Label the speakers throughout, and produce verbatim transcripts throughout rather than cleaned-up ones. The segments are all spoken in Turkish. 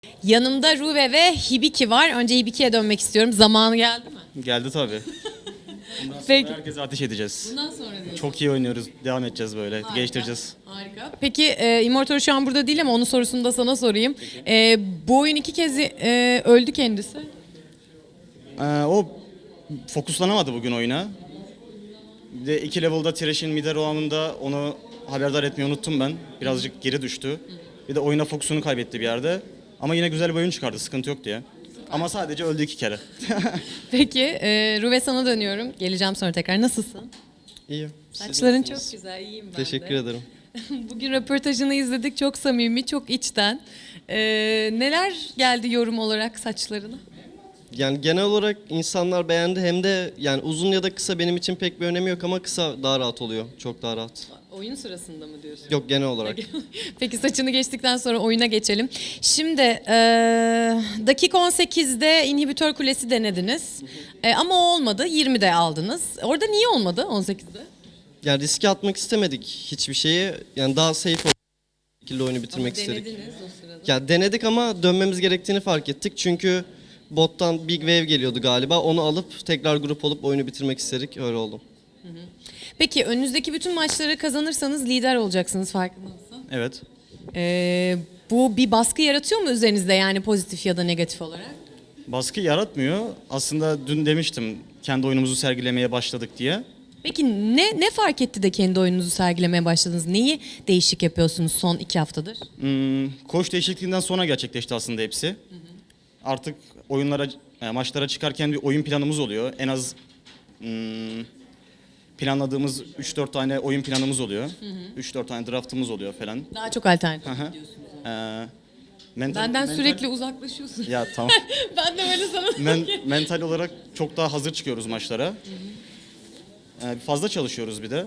Speaker 1: Yanımda Ruve ve Hibiki var. Önce Hibiki'ye dönmek istiyorum. Zamanı geldi mi?
Speaker 2: Geldi tabii. Bundan sonra
Speaker 1: Peki.
Speaker 2: herkese ateş edeceğiz.
Speaker 1: Bundan sonra diyorsun.
Speaker 2: Çok iyi oynuyoruz. Devam edeceğiz böyle.
Speaker 1: Harika.
Speaker 2: Geliştireceğiz.
Speaker 1: Harika. Peki e, Immortal şu an burada değil ama onun sorusunu da sana sorayım. E, bu oyun iki kez e, öldü kendisi.
Speaker 2: Ee, o fokuslanamadı bugün oyuna. Bir de iki level'da Thresh'in mid'e roam'ında onu haberdar etmeyi unuttum ben. Birazcık geri düştü. Bir de oyuna fokusunu kaybetti bir yerde. Ama yine güzel bir oyun çıkardı. Sıkıntı yok diye. Ama sadece öldü iki kere.
Speaker 1: Peki e, Ruve sana dönüyorum. Geleceğim sonra tekrar. Nasılsın?
Speaker 3: İyiyim. Siz
Speaker 1: Saçların
Speaker 3: nasılsınız?
Speaker 1: çok güzel. İyiyim ben
Speaker 3: Teşekkür
Speaker 1: de.
Speaker 3: ederim.
Speaker 1: Bugün röportajını izledik. Çok samimi, çok içten. E, neler geldi yorum olarak saçlarına?
Speaker 3: Yani genel olarak insanlar beğendi, hem de yani uzun ya da kısa benim için pek bir önemi yok ama kısa daha rahat oluyor. Çok daha rahat.
Speaker 1: Oyun sırasında mı diyorsun?
Speaker 3: Yok, genel olarak.
Speaker 1: Peki saçını geçtikten sonra oyuna geçelim. Şimdi e, dakika on sekizde inhibitör kulesi denediniz. E, ama o olmadı. yirmide aldınız. Orada niye olmadı on sekizde?
Speaker 3: Yani riske atmak istemedik hiçbir şeyi. Yani daha safe ol- şekilde oyunu bitirmek
Speaker 1: Ama
Speaker 3: istedik.
Speaker 1: denediniz o sırada.
Speaker 3: Ya denedik ama dönmemiz gerektiğini fark ettik. Çünkü bottan Big Wave geliyordu galiba. Onu alıp tekrar grup olup oyunu bitirmek istedik. Öyle oldu.
Speaker 1: Peki önünüzdeki bütün maçları kazanırsanız lider olacaksınız, farkında mısın?
Speaker 2: Evet.
Speaker 1: E, bu bir baskı yaratıyor mu üzerinizde, yani pozitif ya da negatif olarak?
Speaker 2: Baskı yaratmıyor. Aslında dün demiştim kendi oyunumuzu sergilemeye başladık diye.
Speaker 1: Peki ne ne fark etti de kendi oyununuzu sergilemeye başladınız? Neyi değişik yapıyorsunuz son iki haftadır?
Speaker 2: Hmm, koç değişikliğinden sonra gerçekleşti aslında hepsi. Artık oyunlara, e, maçlara çıkarken bir oyun planımız oluyor. En az hmm, planladığımız üç dört tane oyun planımız oluyor. üç dört tane draftımız oluyor falan.
Speaker 1: Daha çok alternatif
Speaker 2: Hı hı.
Speaker 1: diyorsunuz.
Speaker 2: Ee, mental-
Speaker 1: Benden
Speaker 2: mental-
Speaker 1: sürekli uzaklaşıyorsun.
Speaker 2: Ya tamam.
Speaker 1: Ben de böyle sana...
Speaker 2: Men, mental olarak çok daha hazır çıkıyoruz maçlara. Ee, fazla çalışıyoruz bir de.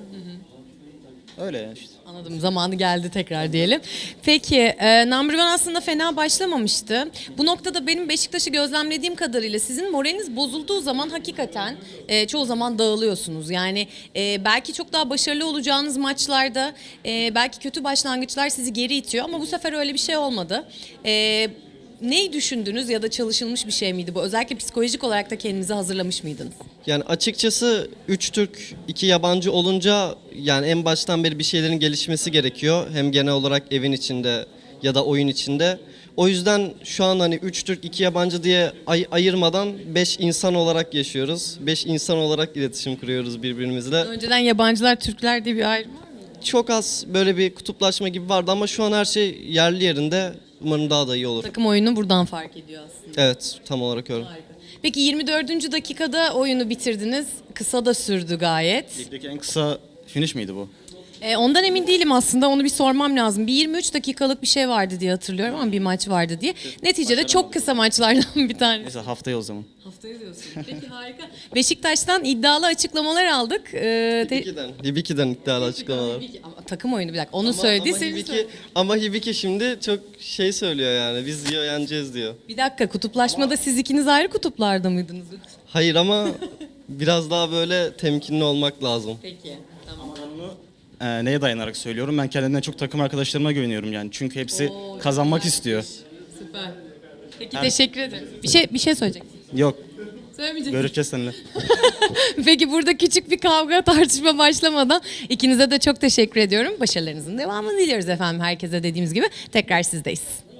Speaker 2: Öyle işte.
Speaker 1: Anladım, zamanı geldi tekrar diyelim. Peki e, Number One aslında fena başlamamıştı. Bu noktada benim Beşiktaş'ı gözlemlediğim kadarıyla sizin moraliniz bozulduğu zaman hakikaten e, çoğu zaman dağılıyorsunuz. Yani e, belki çok daha başarılı olacağınız maçlarda e, belki kötü başlangıçlar sizi geri itiyor ama bu sefer öyle bir şey olmadı. E, neyi düşündünüz ya da çalışılmış bir şey miydi bu? Özellikle psikolojik olarak da kendinizi hazırlamış mıydınız?
Speaker 3: Yani açıkçası üç Türk, iki yabancı olunca yani en baştan beri bir şeylerin gelişmesi gerekiyor. Hem genel olarak evin içinde ya da oyun içinde. O yüzden şu an hani üç Türk, iki yabancı diye ay- ayırmadan beş insan olarak yaşıyoruz. beş insan olarak iletişim kuruyoruz birbirimizle.
Speaker 1: Önceden yabancılar, Türkler diye bir ayrım var mı?
Speaker 3: Çok az böyle bir kutuplaşma gibi vardı ama şu an her şey yerli yerinde. Umarım daha da iyi olur.
Speaker 1: Takım oyunu buradan fark ediyor aslında.
Speaker 3: Evet, tam olarak öyle.
Speaker 1: Peki yirmi dördüncü dakikada oyunu bitirdiniz. Kısa da sürdü gayet.
Speaker 2: Ligdeki en kısa finish miydi bu?
Speaker 1: Ee, ondan emin değilim aslında. Onu bir sormam lazım. Bir yirmi üç dakikalık bir şey vardı diye hatırlıyorum ama bir maç vardı diye. Neticede çok kısa maçlardan bir tanesi.
Speaker 2: Neyse haftaya o zaman.
Speaker 1: Haftaya diyorsun. Peki harika. Beşiktaş'tan iddialı açıklamalar aldık. Ee, te-
Speaker 3: Hibiki'den, Hibiki'den iddialı açıklamalar.
Speaker 1: Ama takım oyunu bir dakika. Onu
Speaker 3: Ama-
Speaker 1: söyledi.
Speaker 3: ama,
Speaker 1: seni
Speaker 3: Hibiki,
Speaker 1: söyle-
Speaker 3: ama Hibiki şimdi çok şey söylüyor yani. Biz diyor yeneceğiz diyor.
Speaker 1: Bir dakika, kutuplaşmada siz ikiniz ayrı kutuplarda mıydınız?
Speaker 3: Hayır ama biraz daha böyle temkinli olmak lazım.
Speaker 1: Peki. Tamam.
Speaker 2: Ee, neye dayanarak söylüyorum? Ben kendimden çok takım arkadaşlarıma güveniyorum yani. Çünkü hepsi
Speaker 1: Oo,
Speaker 2: kazanmak
Speaker 1: güzel.
Speaker 2: istiyor.
Speaker 1: Süper. Peki teşekkür ederim. Bir şey bir şey söyleyeceksin.
Speaker 2: Yok,
Speaker 1: Söylemeyeceksin.
Speaker 2: görüşeceğiz seninle.
Speaker 1: Peki burada küçük bir kavga tartışma başlamadan ikinize de çok teşekkür ediyorum. Başarılarınızın devamını diliyoruz efendim, herkese dediğimiz gibi. Tekrar sizdeyiz.